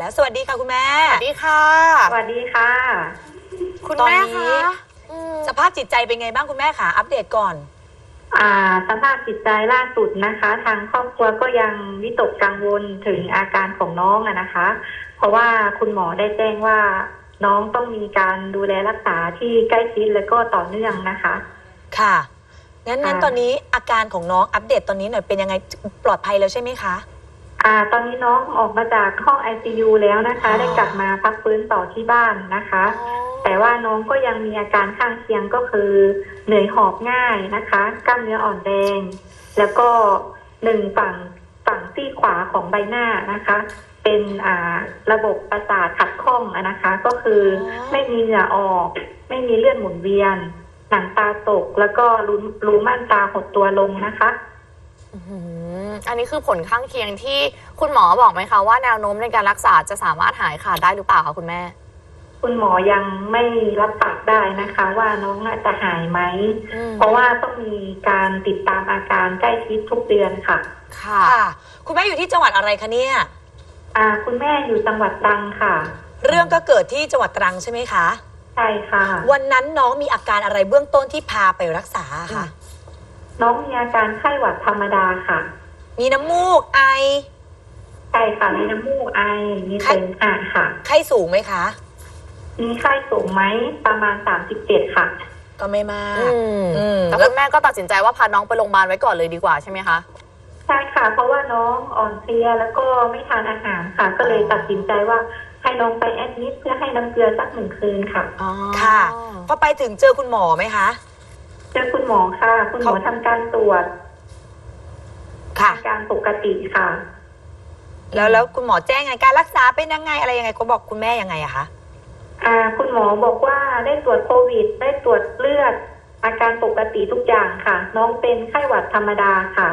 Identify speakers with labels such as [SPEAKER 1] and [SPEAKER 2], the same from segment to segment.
[SPEAKER 1] แล้วสวัสดีค่ะคุณแม่
[SPEAKER 2] สวัสดีค่ะ
[SPEAKER 3] สวัสดีค่ะ
[SPEAKER 2] คุณแม่คะ
[SPEAKER 1] สภาพจิตใจเป็นไงบ้างคุณแม่คะอัปเดตก่อน
[SPEAKER 3] สภาพจิตใจล่าสุดนะคะ ทางครอบครัวก็ยังวิตกกังวลถึงอาการของน้องนะคะ เพราะว่าคุณหมอได้แจ้งว่าน้องต้องมีการดูแลรักษาที่ใกล้ชิดและก็ต่อเนื่องนะคะ
[SPEAKER 1] ค่ะงั้นตอนนี้อาการของน้องอัปเดตตอนนี้หน่อยเป็นยังไงปลอดภัยแล้วใช่ไหมคะ
[SPEAKER 3] ตอนนี้น้องออกมาจากห้อง ICU แล้วนะคะได้กลับมาพักฟื้นต่อที่บ้านนะคะแต่ว่าน้องก็ยังมีอาการข้างเคียงก็คือเหนื่อยหอบง่ายนะคะกล้ามเนื้ออ่อนแรงแล้วก็ฝั่งซี่ขวาของใบหน้านะคะเป็นระบบประสาทขัดข้องนะคะก็คือไม่มีเหงื่อออกไม่มีเลือดหมุนเวียนหนังตาตกแล้วก็รูม่านตาหดตัวลงนะคะ
[SPEAKER 2] อันนี้คือผลข้างเคียงที่คุณหมอบอกไหมคะว่าแนวโน้มในการรักษาจะสามารถหายขาดได้หรือเปล่าคะคุณแม่
[SPEAKER 3] คุณหมอยังไม่รับปากได้นะคะว่าน้องจะหายไหมเพราะว่าต้องมีการติดตามอาการใกล้ชิดทุกเดือนค่ะ
[SPEAKER 1] ค่ะคุณแม่อยู่ที่จังหวัดอะไรคะเนี่ย
[SPEAKER 3] คุณแม่อยู่จังหวัดตรังค่ะ
[SPEAKER 1] เรื่องก็เกิดที่จังหวัดตรังใช่ไหมคะ
[SPEAKER 3] ใช่ค่ะ
[SPEAKER 1] วันนั้นน้องมีอาการอะไรเบื้องต้นที่พาไปรักษาค่ะ
[SPEAKER 3] น้องมีอาการไข้หวัดธรรมดาค่ะ
[SPEAKER 1] มีน้ำมูกไอ
[SPEAKER 3] ใช่ค่ะมีน้ำมูกไอมีเสมหะค่ะ
[SPEAKER 1] ไข้สูงไหมคะ
[SPEAKER 3] มีไข้สูงไหมประมาณ37ค่ะ
[SPEAKER 1] ก็ไม่มาก
[SPEAKER 2] แต่คุณแม่ก็ตัดสินใจว่าพาน้องไปโรงพยาบาลไว้ก่อนเลยดีกว่าใช่ไหมคะ
[SPEAKER 3] ใช่ค่ะเพราะว่าน้องอ่อนเพลียแล้วก็ไม่ทานอาหารค่ะก็เลยตัดสินใจว่าให้น้องไปแอดมิดเพื่อให้น้ำเกลือสัก1 คืนค่ะ
[SPEAKER 1] ค่ะพอไปถึงเจอคุณหมอไหมคะ
[SPEAKER 3] เจอคุณหมอค่ะคุณหมอทำการตรวจอาการปกติค่ะ
[SPEAKER 1] แล้วคุณหมอแจ้งไงการรักษาเป็นยังไงอะไรยังไงเขาบอกคุณแม่ยังไงอะคะ
[SPEAKER 3] คุณหมอบอกว่าได้ตรวจโควิดได้ตรวจเลือดอาการปกติทุกอย่างค่ะน้องเป็นไข้หวัดธรรมดาค่ะ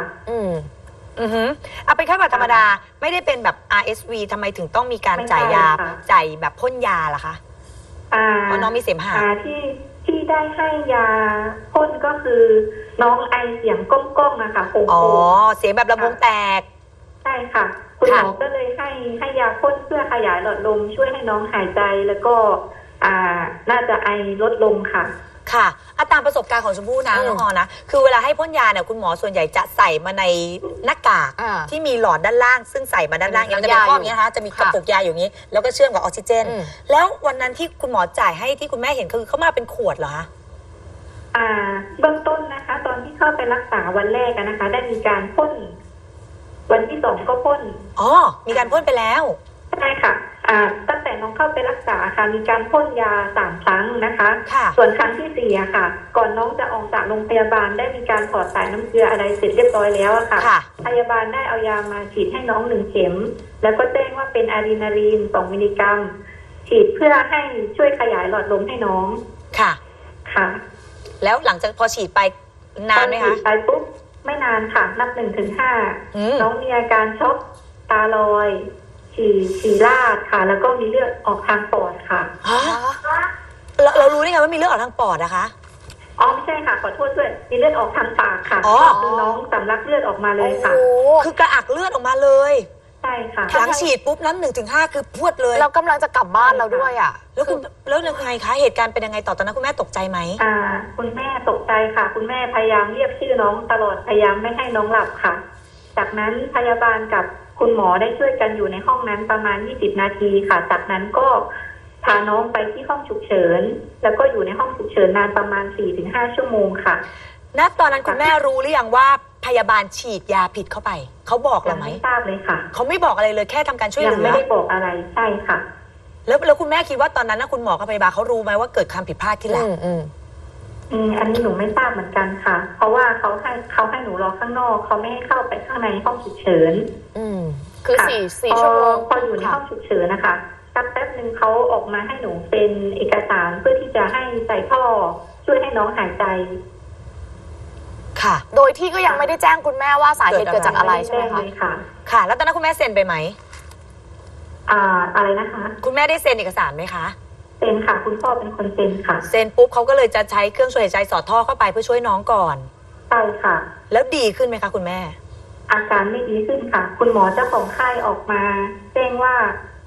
[SPEAKER 1] เป็นไข้หวัดธรรมดาไม่ได้เป็นแบบ RSV ทำไมถึงต้องมีการจ่ายยาจ่ายแบบพ่นยาล่ะคะเพราะน้องมีเสมหะ
[SPEAKER 3] ที่ได้ให้ยาพ่นก็คือน้องไอเสียงก้องๆนะคะ
[SPEAKER 1] เสียงแบบลำโพงแตก
[SPEAKER 3] ใช่ค่ะคุณหมอก็เลยให้ยาพ่นเพื่อขยายหลอดลมช่วยให้น้องหายใจแล้วก็น่าจะไอลดลงค่ะ
[SPEAKER 1] ค่ะตามประสบการณ์ของชมพู่นะน้องออนะคือเวลาให้พ่นยาเนี่ยคุณหมอส่วนใหญ่จะใส่มาในหน้ากากที่มีหลอดด้านล่างซึ่งใส่มาด้านล่างอย่างจะเป็นข้ออย่างนี้นะคะจะมีกระปุกยาอยู่นี้แล้วก็เชื่อมกับออกซิเจนแล้ววันนั้นที่คุณหมอจ่ายให้ที่คุณแม่เห็นคือเขามาเป็นขวดเหรอคะ
[SPEAKER 3] เบื้องต้นนะคะตอนที่เข้าไปรักษาวันแรกนะคะได้มีการพ่นวันที่2ก็พ่น
[SPEAKER 1] มีการพ่นไปแล้ว
[SPEAKER 3] ใช่ค่ะตั้งแต่น้องเข้าไปรักษาค่ะมีการพ่นยา3 ครั้งนะคะส่วนครั้งที่4ค่ะก่อนน้องจะออกจากโรงพยาบาลได้มีการถอดสายน้ำเกลืออะไรเสร็จเรียบร้อยแล้วค่ะพยาบาลได้เอายามาฉีดให้น้อง1 เข็มแล้วก็แจ้งว่าเป็นอะดรีนาลีน2 มิลลิกรัมฉีดเพื่อให้ช่วยขยายหลอดลมให้น้องค่ะ
[SPEAKER 1] แล้วหลังจากพอฉีดไปนานไหมคะ
[SPEAKER 3] ฉีดไปปุ๊บไม่นานค่ะนับ1 ถึง 5น้องมีอาการช็อกตาลอยฉี่ราดค่ะแล้วก็มีเลือดออกทางปอดค่ะ
[SPEAKER 1] เรารู้ได้ไงว่ามีเลือดออกทางปอดนะคะ
[SPEAKER 3] ไม่ใช่ค่ะขอโทษด้วยมีเลือดออกทางปากค่ะคือน้องสำลักเลือดออกมาเลยค่ะ
[SPEAKER 1] คือกระอักเลือดออกมาเลย
[SPEAKER 3] ใช่ค่ะ
[SPEAKER 1] หลังฉีดปุ๊บนั้น1 ถึง 5คือพรวดเลย
[SPEAKER 2] เรากำลังจะกลับบ้านเราด้วย
[SPEAKER 1] แล้วยังไงคะเหตุการณ์เป็นยังไงต่อตอนนั้นคุณแม่ตกใจไหม
[SPEAKER 3] คุณแม่ตกใจค่ะคุณแม่พยายามเรียกชื่อน้องตลอดพยายามไม่ให้น้องหลับค่ะจากนั้นพยาบาลกับคุณหมอได้ช่วยกันอยู่ในห้องนั้นประมาณ20 นาทีค่ะจากนั้นก็พาน้องไปที่ห้องฉุกเฉินแล้วก็อยู่ในห้องฉุกเฉินนานประมาณ 4-5 ชั่วโมงค่ะ
[SPEAKER 1] ณตอนนั้นคุณแม่รู้หรือยังว่าพยาบาลฉีดยาผิดเข้าไปเขาบอกเราไหม
[SPEAKER 3] ไม่ทราบเลยค่ะ
[SPEAKER 1] เขาไม่บอกอะไรเลยแค่ทำการช่วยเหลือ
[SPEAKER 3] ยังไม่ได้บอกอะไรใช่ค่ะ
[SPEAKER 1] แล้วคุณแม่คิดว่าตอนนั้นนะคุณหมอกับพยาบาลเขารู้ไหมว่าเกิดความผิดพลาดที่หลัง
[SPEAKER 3] อันนี้หนูไม่ทราบเหมือนกันค่ะเพราะว่าเขาให้หนูรอข้างนอกเขาไม่ให้เข้าไปข้างในห้องฉุกเฉิน
[SPEAKER 2] คือ4 ชั่วโมง
[SPEAKER 3] พออยู่ในห้องฉุกเฉินนะคะสักแป๊บนึงเขาออกมาให้หนูเป็นเอกสารเพื่อที่จะให้ใส่ท่อช่วยให้น้องหายใจ
[SPEAKER 1] ค่ะ
[SPEAKER 2] โดยที่ก็ยังไม่ได้แจ้งคุณแม่ว่าสาเหตุเกิดจากอะไรใช่ไหม
[SPEAKER 3] คะ
[SPEAKER 1] ค่ะแล้วตอนนั้นคุณแม่เซ็นไปไหม
[SPEAKER 3] อะไรนะคะ
[SPEAKER 1] คุณแม่ได้เซ็นเอกสารไหมคะ
[SPEAKER 3] เซ็นค่ะคุณพ่อเป็นคนเซ็นค่ะ
[SPEAKER 1] เซ็นปุ๊บเขาก็เลยจะใช้เครื่องช่วยหายใจสอดท่อเข้าไปเพื่อช่วยน้องก่อน
[SPEAKER 3] ใช่ค่ะ
[SPEAKER 1] แล้วดีขึ้นไหมคะคุณแม่
[SPEAKER 3] อาการไม่ดีขึ้นค่ะคุณหมอเจ้าของไข้ออกมาแจ้งว่า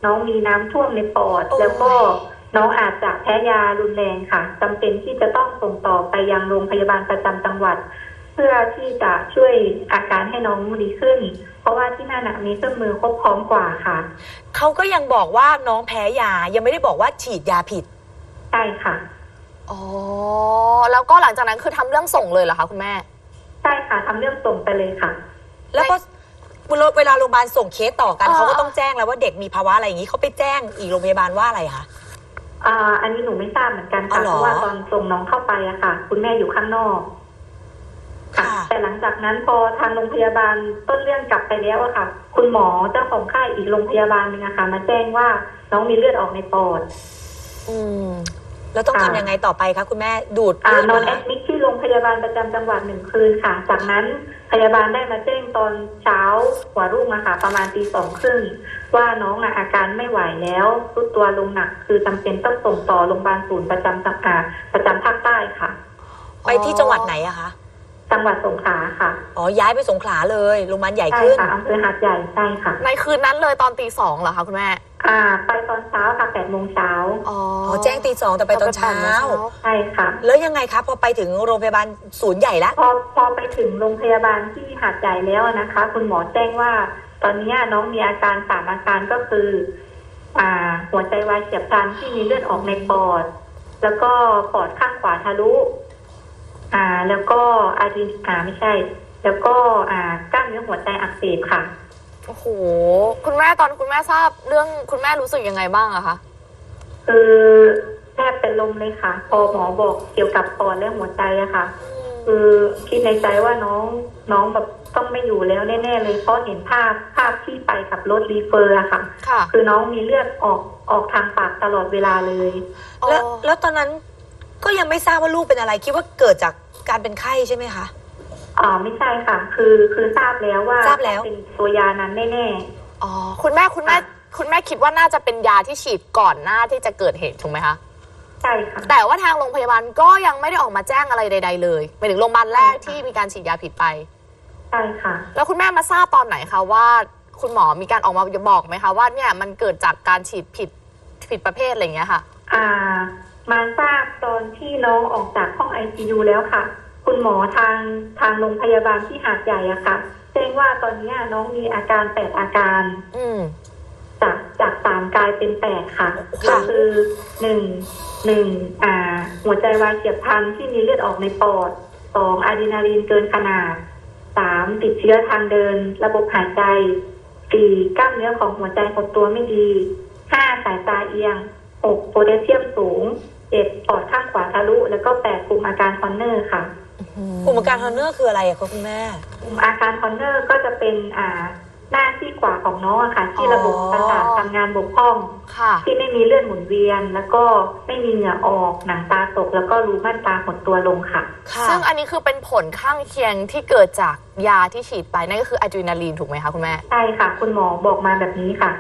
[SPEAKER 3] น้องมีน้ำท่วมในปอด แล้วก็น้องอาจจะแพ้ยารุนแรงค่ะจำเป็นที่จะต้องส่งต่อไปยังโรงพยาบาลประจำจังหวัด เพื่อที่จะช่วยอาการให้น้องดีขึ้น เพราะว่าที่นั่นมีเครื่องมือครบพร้อมกว่าค่ะ
[SPEAKER 1] เขาก็ยังบอกว่าน้องแพ้ยายังไม่ได้บอกว่าฉีดยาผิด
[SPEAKER 3] ใช่ค่ะ
[SPEAKER 2] อ๋อแล้วก็หลังจากนั้นคือทำเรื่องส่งเลยเหรอคะคุณแม่
[SPEAKER 3] ใช่ค่ะทำเรื่องส่งไปเลยค่ะ
[SPEAKER 1] แล้วก็เวลาโรงพยาบาลส่งเคสต่อกันเขาก็ต้องแจ้งแล้วว่าเด็กมีภาวะอะไรอย่างนี้เขาไปแจ้งอีกโรงพยาบาลว่าอะไรคะ
[SPEAKER 3] อันนี้หนูไม่ทราบเหมือนกันค่ะเพราะว่าตอนส่งน้องเข้าไปอะค่ะ คุณแม่อยู่ข้างนอกค่ะแต่หลังจากนั้นพอทางโรงพยาบาลต้นเรื่องกลับไปแล้วอะค่ะ คุณหมอเจ้าของค่ายอีกโรงพยาบาลนึงอะค่ะมาแจ้งว่าน้องมีเลือดออกในปอด
[SPEAKER 1] แล้วต้องทำยังไงต่อไปคะคุณแม่ดูด
[SPEAKER 3] นอนแอดมิทที่โรงพยาบาลประจำจังหวัด1 คืนค่ะจากนั้นพยาบาลได้มาแจ้งตอนเช้าหัวรุ่งอะค่ะประมาณ2:30ว่าน้องอาการไม่ไหวแล้วรุดตัวลงหนักคือจำเป็นต้องส่งต่อโรงพยาบาลศูนย์ประจำภาคใต้ค่ะ
[SPEAKER 1] ไปที่จังหวัดไหนอะคะ
[SPEAKER 3] จังหวัดสงขลาค่ะ
[SPEAKER 1] ย้ายไปสงขลาเลยโรงพยาบาลใหญ่ขึ้น
[SPEAKER 3] ใช่ค่ะอำเภอหาดใหญ่ใช่ค่ะ
[SPEAKER 2] ในคืนนั้นเลยตอน2:00เหรอคะคุณแม่
[SPEAKER 3] ไปตอนเช้าค่ะ8:00 น.
[SPEAKER 1] แจ้ง2:00แต่ไปตอนเช้า
[SPEAKER 3] ใช่ค่ะ
[SPEAKER 1] แล้วยังไงคะพอไปถึงโรงพยาบาลศูนย์ใหญ่แล้ว
[SPEAKER 3] พอไปถึงโรงพยาบาลที่หาดใหญ่แล้วนะคะคุณหมอแจ้งว่าตอนนี้น้องมีอาการ3 อาการก็คือหัวใจวายเฉียบพลันที่มีเลือดออกในปอดแล้วก็ปอดข้างขวาทะลุแล้วก็ไม่ใช่แล้วก็กล้ามเนื้อหัวใจอักเสบค่ะ
[SPEAKER 2] โอ้โหคุณแม่ตอนคุณแม่ทราบเรื่องคุณแม่รู้สึกยังไงบ้างอะคะ
[SPEAKER 3] แทบเป็นลมเลยค่ะพอหมอบอกเกี่ยวกับปอดและหัวใจอะค่ะคือคิดในใจว่าน้องแบบต้องไม่อยู่แล้วแน่ๆเลยเพราะเห็นภาพที่ไปกับรถรีเฟอร์อะค่ะคือน้องมีเลือดออกทางปากตลอดเวลาเลย
[SPEAKER 1] แล้วตอนนั้นก็ยังไม่ทราบว่าลูกเป็นอะไรคิดว่าเกิดจากการเป็นไข้ใช่ไหมคะ
[SPEAKER 3] ไม่ใช่ค่ะคือทราบแล้วว่าเป็นตัวยานั้นแน่
[SPEAKER 2] ๆคุณแม่คิดว่าน่าจะเป็นยาที่ฉีดก่อนหน้าที่จะเกิดเหตุถูกไหมคะ
[SPEAKER 3] ใช่ค่ะ
[SPEAKER 2] แต่ว่าทางโรงพยาบาลก็ยังไม่ได้ออกมาแจ้งอะไรใดๆเลยไปถึงโรงพยาบาลแรกที่มีการฉีดยาผิดไป
[SPEAKER 3] ใช่ค่ะ
[SPEAKER 2] แล้วคุณแม่มาทราบตอนไหนคะว่าคุณหมอมีการออกมาบอกไหมคะว่าเนี่ยมันเกิดจากการฉีดผิดประเภทอะไรอย่างเงี้ยค่ะ
[SPEAKER 3] มาทราบตอนที่น้องออกจากห้อง ICU แล้วค่ะคุณหมอทางโรงพยาบาลที่หาดใหญ่อะค่ะแจ้งว่าตอนนี้น้องมีอาการ8 อาการจาก3กลายเป็น8ค่ะก็คือ1หัวใจวายเฉียบพลันที่มีเลือดออกในปอด2อะดรีนาลีนเกินขนาด3ติดเชื้อทางเดินระบบหายใจ4กล้ามเนื้อของหัวใจหดตัวไม่ดี5สายตาเอียง6โพแทสเซียมสูง7ปอดข้างขวาทะลุแล้วก็8กลุ่มอาการฮอนเนอร์ค่ะ
[SPEAKER 1] กลุ่มอาการฮอนเนอร์คืออะไรคะคุณแม่
[SPEAKER 3] กลุ่มอาการฮอนเนอร์ก็จะเป็นหน้าที่ขวาของน้องอะค่ะที่ระบบประสาททำงานบกพร่องที่ไม่มีเลือดหมุนเวียนแล้วก็ไม่มีเหงื่อออกหนังตาตกแล้วก็รูม่านตาหดตัวลงค่ะ
[SPEAKER 2] ซึ่งอันนี้คือเป็นผลข้างเคียงที่เกิดจากยาที่ฉีดไปนั่นก็คืออะดรีนาลีนถูกไหมคะคุณแม่
[SPEAKER 3] ใช่ค่ะคุณหมอบอกมาแบบนี้ค่ะ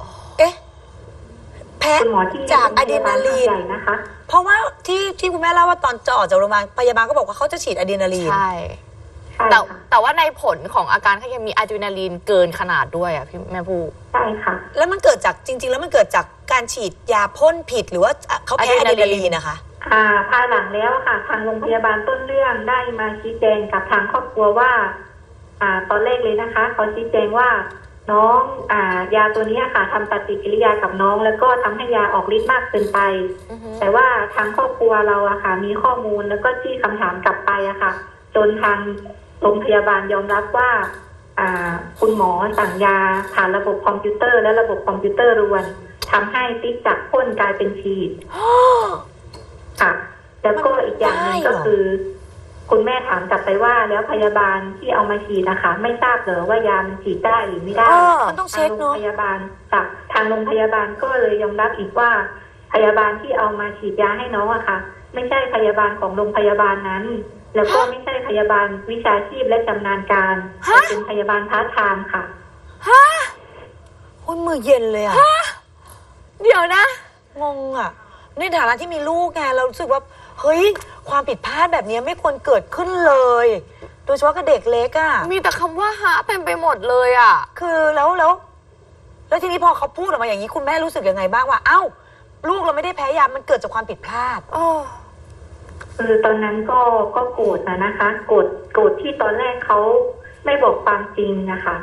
[SPEAKER 1] แพ้จากอะดรีนาลีน
[SPEAKER 3] นะคะ
[SPEAKER 1] เพราะว่าที่คุณแม่เล่าว่าตอนจะออกจากโรงพยาบาลพยาบาลก็บอกว่าเขาจะฉีดอะดรีนาลีน
[SPEAKER 2] ใช่แต่ว่าในผลของอาการข้างเคียงมีอะดรีนาลีนเกินขนาดด้วยอ่ะพี่แม่ผู้
[SPEAKER 3] ใช่ค่ะ
[SPEAKER 1] แล้วมันเกิดจากจริงๆแล้วมันเกิดจากการฉีดยาพ่นผิดหรือว่าเขาแพ้อะดรีนาลีนนะคะ
[SPEAKER 3] ภายหลังแล้วค่ะทางโรงพยาบาลต้นเรื่องได้มาชี้แจงกับทางครอบครัวว่าตอนแรกเลยนะคะเขาชี้แจงว่าน้องยาตัวนี้ค่ะทำปฏิกิริยากับน้องแล้วก็ทำให้ยาออกฤทธิ์มากเกินไปแต่ว่าทางครอบครัวเราอะค่ะมีข้อมูลแล้วก็ที่คำถามกลับไปอะค่ะจนทางโรงพยาบาลยอมรับว่าคุณหมอสั่งยาผ่านระบบคอมพิวเตอร์และระบบคอมพิวเตอร์รวนทำให้ติ๊กจากพ่นกลายเป็นฉีดค่ะแล้วก็อีกอย่างหนึ่งก็คือคุณแม่ถามกลับไปว่าแล้วพยาบาลที่เอามาฉีดนะคะไม่ทราบเหรอว่ายามันฉีดได้หรือไม่ได้
[SPEAKER 1] มันต้องเช็คเนาะ
[SPEAKER 3] ทางโรงพยาบาลทางโรงพยาบาลก็เลยยอมรับอีกว่าพยาบาลที่เอามาฉีดยาให้น้องอะค่ะไม่ใช่พยาบาลของโรงพยาบาลนั้นแล้วก็ไม่ใช่พยาบาลวิชาชีพและชำนาญการแต่เป็นพยาบาลพาร์ทไทม์ค่ะ
[SPEAKER 1] โอ้ยมือเย็นเลยอะ
[SPEAKER 2] เดี๋ยวนะ
[SPEAKER 1] งงอะในฐานะที่มีลูกไงเรารู้สึกว่าเฮ้ยความผิดพลาดแบบนี้ไม่ควรเกิดขึ้นเลยโดยเฉพาะกับเด็กเล็กอะ
[SPEAKER 2] มีแต่คำว่าฮะเต็มไปหมดเลยอะ
[SPEAKER 1] คือแล้วแล้วทีนี้พอเขาพูดออกมาอย่างนี้คุณแม่รู้สึกยังไงบ้างว่าเอ้าลูกเราไม่ได้แพ้ยามันเกิดจากความผิดพลาด
[SPEAKER 3] ตอนนั้นก็โกรธนะคะโกรธที่ตอนแรกเขาไม่บอกความจริงนะคะ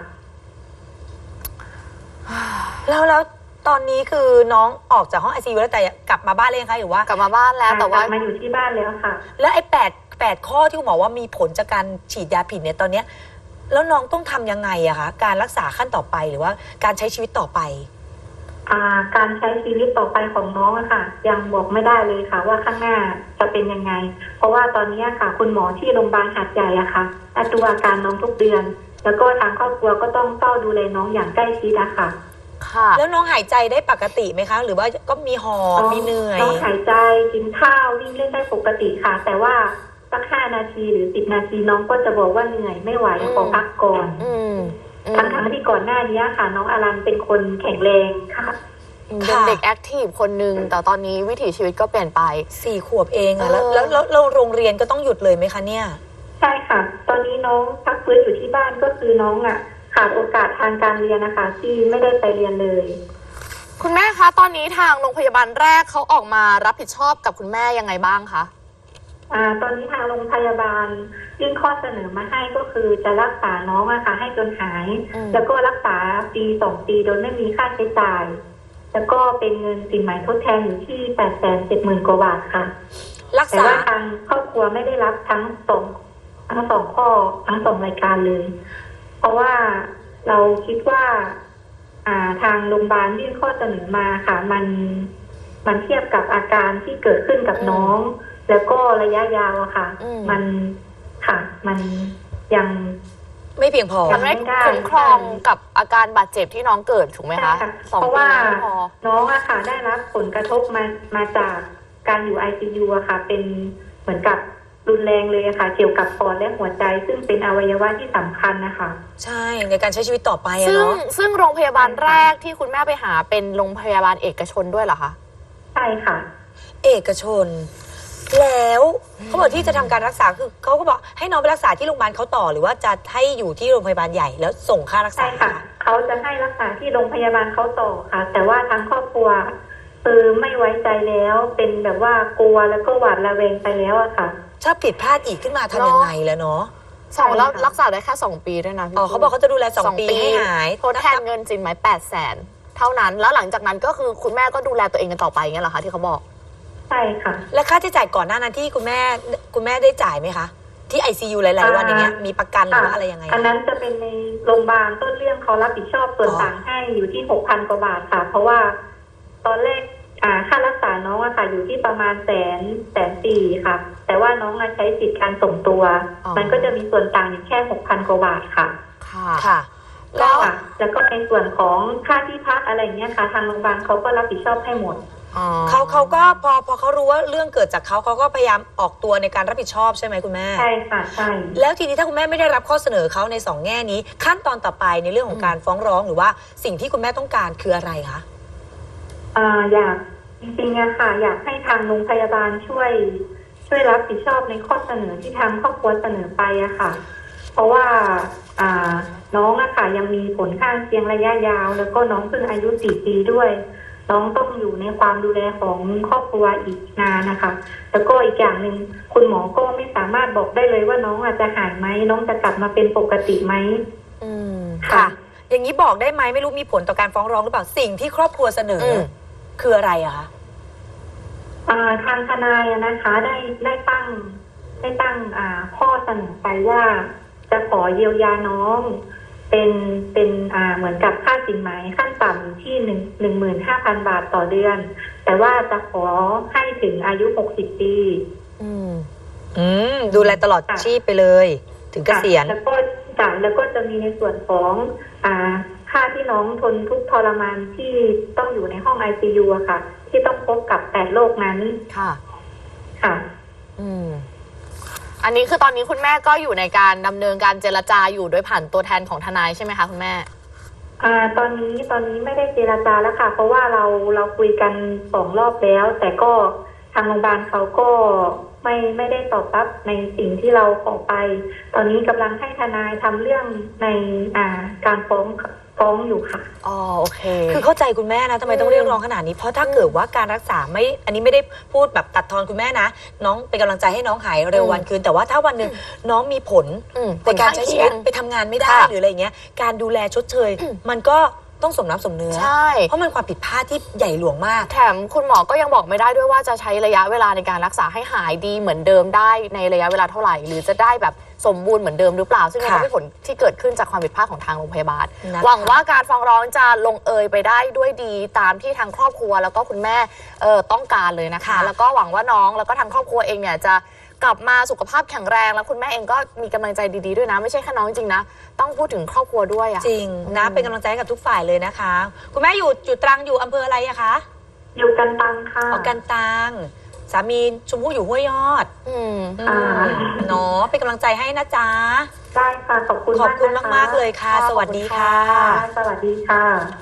[SPEAKER 1] แล้วตอนนี้คือน้องออกจากห้อง ICU แล้วแต่กลับมาบ้านเลยงคะหรือว่าก
[SPEAKER 2] ลับมาบ้านแล้วแต่ว่าก
[SPEAKER 3] ลับมาอยู่ที่บ้านแล้วค่ะ
[SPEAKER 1] แล้วไอ้8ข้อที่คุณหมอว่ามีผลจากการฉีดยาผิดเนี่ยตอนเนี้ยแล้วน้องต้องทำยังไงอะคะการรักษาขั้นต่อไปหรือว่าการใช้ชีวิตต่อไป
[SPEAKER 3] การใช้ชีวิตต่อไปของน้องอะค่ะยังบอกไม่ได้เลยค่ะว่าข้างหน้าจะเป็นยังไงเพราะว่าตอนนี้ค่ะคุณหมอที่โรงพยาบาลหาดใหญ่อะค่ะดูอาการน้องทุกเดือนแล้วก็ทางครอบครัวก็ต้องเฝ้าดูแลน้องอย่างใกล้ชิดอะค่ะ
[SPEAKER 1] แล้วน้องหายใจได้ปกติไหมคะหรือว่าก็มีหอบมีเหนื่อย
[SPEAKER 3] น้องหายใจกินข้าววิ่งเล่นได้ปกติค่ะแต่ว่าสัก5 นาทีหรือ10 นาทีน้องก็จะบอกว่าเหนื่อยไม่ไหวขอพักก่อนทั้งที่ก่อนหน้านี้ค่ะน้องอารันเป็นคนแข็งแรงค่ะ
[SPEAKER 2] เป็นเด็กแอคทีฟคนนึงแต่ตอนนี้วิถีชีวิตก็เปลี่ยนไป
[SPEAKER 1] 4 ขวบเองอะแล้วโรงเรียนก็ต้องหยุดเลยไหมคะเนี่ย
[SPEAKER 3] ใช่ค่ะตอนนี้น้องพักฟื้นอยู่ที่บ้านก็คือน้องอะขาดโอกาสทางการเรียนนะคะที่ไม่ได้ไปเรียนเลย
[SPEAKER 2] คุณแม่คะตอนนี้ทางโรงพยาบาลแรกเขาออกมารับผิดชอบกับคุณแม่ยังไงบ้างคะ
[SPEAKER 3] ตอนนี้ทางโรงพยาบาลยื่นข้อเสนอมาให้ก็คือจะรักษาน้องอะค่ะให้จนหายแล้วก็รักษาปี2 ปีโดยไม่มีค่าใช้จ่ายแล้วก็เป็นเงินสินไหมทดแทนอยู่ที่870,000 กว่าบาทค่ะแต่ว่าทางครอบครัวไม่ได้รับทั้งสองข้อทั้ง2 รายการเลยเพราะว่าเราคิดว่าทางโรงพยาบาลยื่นข้อเสนอมาค่ะมันเทียบกับอาการที่เกิดขึ้นกับน้องแล้วก็ระยะยาวอะค่ะมันยัง
[SPEAKER 1] ไม่เพียงพอ
[SPEAKER 2] มันไม่คุ้มครองกับอาการบาดเจ็บที่น้องเกิดถูกไหมคะ
[SPEAKER 3] เพราะว่าน้องอะค่ะได้รับผลกระทบมาจากการอยู่ ICU อะค่ะเป็นเหมือนกับรุนแรงเลยค่ะเกี่ยวกับปอดและหัวใจซึ่งเป็นอวัยวะที่สำคัญนะคะ
[SPEAKER 1] ใช่ในการใช้ชีวิตต่อไป
[SPEAKER 2] เนาะซึ่งโรงพยาบาลแรกที่คุณแม่ไปหาเป็นโรงพยาบาลเอกชนด้วยเหรอคะ
[SPEAKER 3] ใช่ค่ะ
[SPEAKER 1] เอกชนแล้วเขาบอกที่จะทำการรักษาคือเขาก็บอกให้น้องไปรักษาที่โรงพยาบาลเขาต่อหรือว่าจะให้อยู่ที่โรงพยาบาลใหญ่แล้วส่งค่ารักษา
[SPEAKER 3] ใช่ค่ะเขาจะให้รักษาที่โรงพยาบาลเขาต่อค่ะแต่ว่าทางครอบครัวคือไม่ไว้ใจแล้วเป็นแบบว่ากลัวแล้วก็หวาดระแวงไปแล้วอะค่ะ
[SPEAKER 1] ถ้าผิดพลาดอีกขึ้นมาทำยังไงแล้วเนาะ
[SPEAKER 2] แล้วรักษาได้แค่2 ปีด้วยนะ
[SPEAKER 1] เขาบอกเขาจะดูแล2 ปีให้หาย
[SPEAKER 2] ทดแทนเงินสินไหม800,000เท่านั้นแล้วหลังจากนั้นก็คือคุณแม่ก็ดูแลตัวเองกันต่อไปเงี้ยเหรอคะที่เขาบอก
[SPEAKER 3] ใช่ค่ะ
[SPEAKER 1] และค่าใช้จ่ายก่อนหน้านั้นที่คุณแม่ได้จ่ายไหมคะที่ ICU หลายๆวันอย่างเงี้ยมีประกันหรือว่าอะไรยังไง
[SPEAKER 3] อันนั้นจะเป็นในโรงพยาบาลต้นเรื่องเขารับผิดชอบส่วนต่างให้อยู่ที่ 6,000 กว่าบาทค่ะเพราะว่าตอนแรกค่ารักษาน้องอะค่ะอยู่ที่ประมาณ140,000ค่ะแต่ว่าน้องใช้สิทธิการส่งตัวมันก็จะมีส่วนต่างอยู่แค่ 6,000 กว่าบาทค่ะ
[SPEAKER 1] ค่ะ
[SPEAKER 3] แล้วก็ในส่วนของค่าที่พักอะไรเงี้ยค่ะทางโรงพยาบาลเขาก็รับผิดชอบให้หมด
[SPEAKER 1] เขาก็พอเขารู้ว่าเรื่องเกิดจากเขาก็พยายามออกตัวในการรับผิดชอบใช่ไหมคุณแม่
[SPEAKER 3] ใช่ค่ะใช่
[SPEAKER 1] แล้วทีนี้ถ้าคุณแม่ไม่ได้รับข้อเสนอเขาใน2 แง่นี้ขั้นตอนต่อไปในเรื่องของการฟ้องร้องหรือว่าสิ่งที่คุณแม่ต้องการคืออะไรคะ
[SPEAKER 3] อยากจริงๆอะค่ะอยากให้ทางโรงพยาบาลช่วยรับผิดชอบในข้อเสนอที่ทางครอบครัวเสนอไปอะค่ะเพราะว่าน้องอะค่ะยังมีผลข้างเคียงระยะยาวแล้วก็น้องเพิ่งอายุ4 ปีด้วยน้องต้องอยู่ในความดูแลของครอบครัวอีกนานนะคะแล้วก็อีกอย่างหนึ่งคุณหมอก็ไม่สามารถบอกได้เลยว่าน้องอาจจะหายไหมน้องจะกลับมาเป็นปกติไหม
[SPEAKER 1] ค่ะอย่างนี้บอกได้ไหมไม่รู้มีผลต่อการฟ้องร้องหรือเปล่าสิ่งที่ครอบครัวเสนอคืออะไรอะคะ
[SPEAKER 3] ทางทนายนะคะได้ตั้งข้อเสนอไปว่าจะขอเยียวยาน้องเป็นเหมือนกับค่าสินไหมขั้นต่ำที่15,000 บาทต่อเดือนแต่ว่าจะขอให้ถึงอายุ60 ปี
[SPEAKER 1] ดูแลตลอดชีพไปเลยถึงเกษียณ
[SPEAKER 3] แล้วก็จะมีในส่วนของค่าที่น้องทนทุกข์ทรมานที่ต้องอยู่ในห้อง ICU อะค่ะที่ต้องพบกับ8 โรคนั้นค่ะ
[SPEAKER 2] อันนี้คือตอนนี้คุณแม่ก็อยู่ในการดำเนินการเจรจาอยู่โดยผ่านตัวแทนของทนายใช่ไหมคะคุณแม่
[SPEAKER 3] ตอนนี้ไม่ได้เจรจาแล้วค่ะเพราะว่าเราคุยกัน2 รอบแล้วแต่ก็ทางโรงพยาบาลเขาก็ไม่ได้ตอบรับในสิ่งที่เราขอไปตอนนี้กำลังให้ทนายทำเรื่องในการฟ้ฟ้องอยู่ค่ะ
[SPEAKER 2] อ๋อโอเค
[SPEAKER 1] คือเข้าใจคุณแม่นะทำไมต้องเรียกร้องขนาดนี้เพราะถ้าเกิดว่าการรักษาไม่อันนี้ไม่ได้พูดแบบตัดทอนคุณแม่นะน้องเป็นกำลังใจให้น้องหายเร็ววันคืนแต่ว่าถ้าวันหนึ่งน้องมีผลในการใช้ชีวิตไปทำงานไม่ได้หรืออะไรเงี้ยการดูแลชดเชยมันก็ต้องสมน้ำสมเนื้อ
[SPEAKER 2] ใช่
[SPEAKER 1] เพราะมันความผิดพลาดที่ใหญ่หลวงมาก
[SPEAKER 2] แถมคุณหมอก็ยังบอกไม่ได้ด้วยว่าจะใช้ระยะเวลาในการรักษาให้หายดีเหมือนเดิมได้ในระยะเวลาเท่าไหร่หรือจะได้แบบสมบูรณ์เหมือนเดิมหรือเปล่าซึ่งมันก็เป็นผลที่เกิดขึ้นจากความผิดพลาดของทางโรงพยาบาลหวังว่าการฟ้องร้องจะลงเอยไปได้ด้วยดีตามที่ทางครอบครัวแล้วก็คุณแม่ต้องการเลยนะคะแล้วก็หวังว่าน้องแล้วก็ทางครอบครัวเองเนี่ยจะกลับมาสุขภาพแข็งแรงแล้วคุณแม่เองก็มีกำลังใจดีๆด้วยนะไม่ใช่แค่น้องจริงๆนะต้องพูดถึงครอบครัวด้วยอะ
[SPEAKER 1] จริงนะเป็นกำลังใจให้กับทุกฝ่ายเลยนะคะ คุณแม่อยู่ตรังอยู่อำเภออะไรอะคะ
[SPEAKER 3] อยู่กันตังค่ะ
[SPEAKER 1] ออกกันตังสามีชมพู่อยู่ห้วยยอดเนาะเป็นกำลังใจให้นะจ๊ะ
[SPEAKER 3] ได้ค่ะขอบคุณ
[SPEAKER 1] ขอบคุณมากๆเลยค่ะ สวัสดีค่ะ
[SPEAKER 3] สวัสดีค่ะ